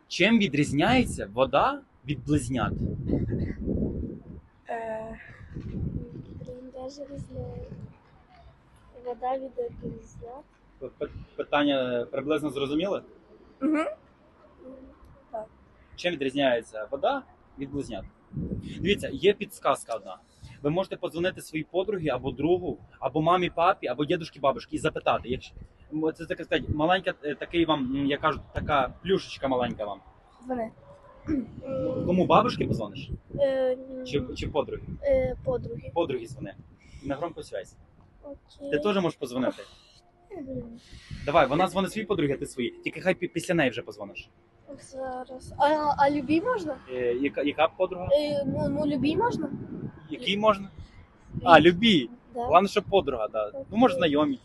Чим відрізняється вода від близнят? Блін, даже не знаю. Вода від близнят. Питання приблизно зрозуміли? Угу. Чим відрізняється вода від близнят? Дивіться, є підсказка одна. Ви можете подзвонити своїй подругі або другу, або мамі, папі, або дідушки, бабушки і запитати. Якщо це так сказати, маленька такий вам, я кажу, така плюшечка маленька вам. Дзвони. Кому бабушки позвониш? Ні. Чи подруги? Подруги. Подруги дзвони. На громку связь. Окей. Ти теж можеш подзвонити. Блін, Давай, вона дзвонить своїй подруги, а ти свої. Тільки хай після неї вже позвониш. зараз. А любій можна? Яка подруга? Ну, любій можна? Який можна? А, любі. Да. Головне, щоб подруга, да. Ну, може, знайомі.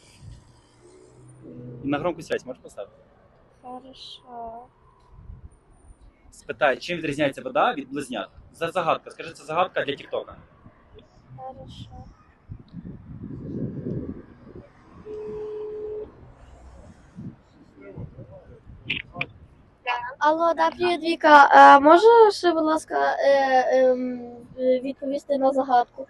І на громку связь можеш поставити? Хорошо. Спитай, чим відрізняється вода від близнят? За загадка. Скажи, це загадка для Тіктока. Хорошо. Алло, да, привіт, Віка. Можеш, будь ласка, відповісти на загадку?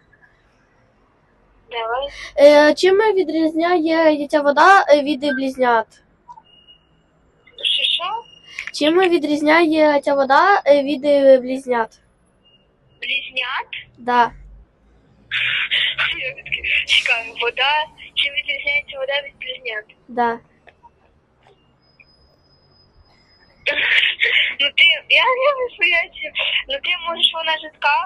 Давай. Чим відрізняє ця вода від близнят? Що? Чим відрізняє ця вода від близнят? Близнят? Да. Чекай, вода. Чим відрізняється вода від близнят? Да. Ну ти, я не поняття. Ну ти можеш, вона жидка?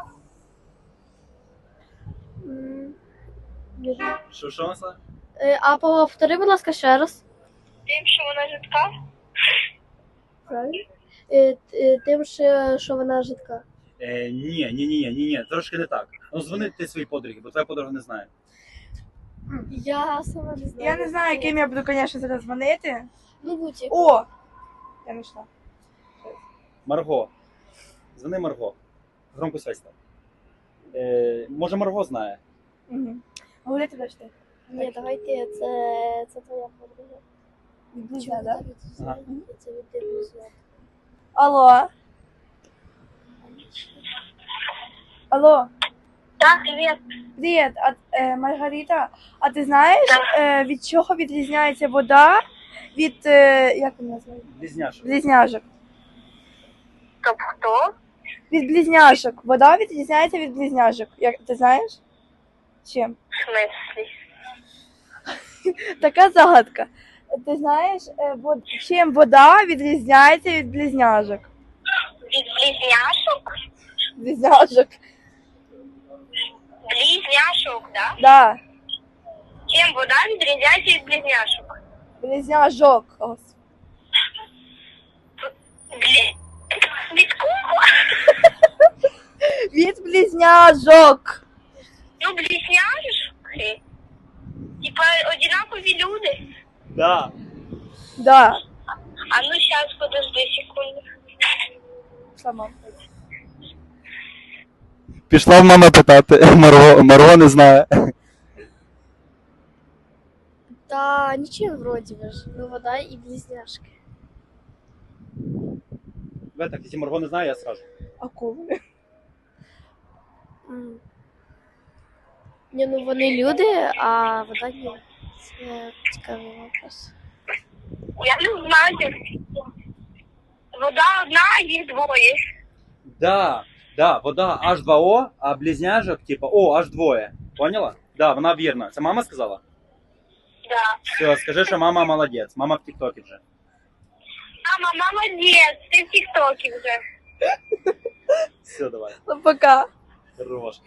Не знаю. Що це? А повтори, будь ласка, ще раз. Тим, що вона жидка? Правильно? Тим, що вона жидка. Ні. Трошки не так. Ну, дзвони ти своїй подругі, бо твоя подруга не знає. Я сама не знаю. Я не знаю, яким я буду, звісно, зараз дзвонити. Ну, будь. О! Я знайшла. Марго. Дзвони Марго. Громку связь став. Може, Марго знає. Угу. Говорити далі ти. Ні, давайте, це твоя подруга. Близька, да? Ага. Це від близнят. Алло. Алло. Так, привіт. Привіт, Маргарита. А ти знаєш, від чого відрізняється вода від, як вона називається? Близняшок. Близняшок. Тобто хто? Від близняшок. Вода відрізняється від близняшок. Як ти знаєш? Чим? В смислі? Така загадка. Ти знаєш, чим вода відрізняється від близняшок? Від близняшок? Близняшок. Близняшок, да? Да. Чим вода відрізняється від близняшок? Близняшок. Ось. Від кого? Від близняшок. Ну, близняшки. Типа одинакові люди. Да. Да. А ну сейчас, подожди секунду. Сама. Пішла в мама питати. Марго не знає. Та нічим вроді ж. Ну, вода і близняшки. Ви так, якщо Марго не знає, я скажу. Акули. Ні, ну вони люди, а вода ні. Це цікавий вопрос. Я не знаю. Вода одна, їх двоє. Да, вода H2O, а близняшок, типа, аж двоє. Поняла? Да, вона вірна. Це мама сказала? Да. Все, скажи, що мама молодець. Мама в Тіктокі вже. Мама, молодець, ти в тіктокі вже. Все, давай. Ну, пока. Хорош.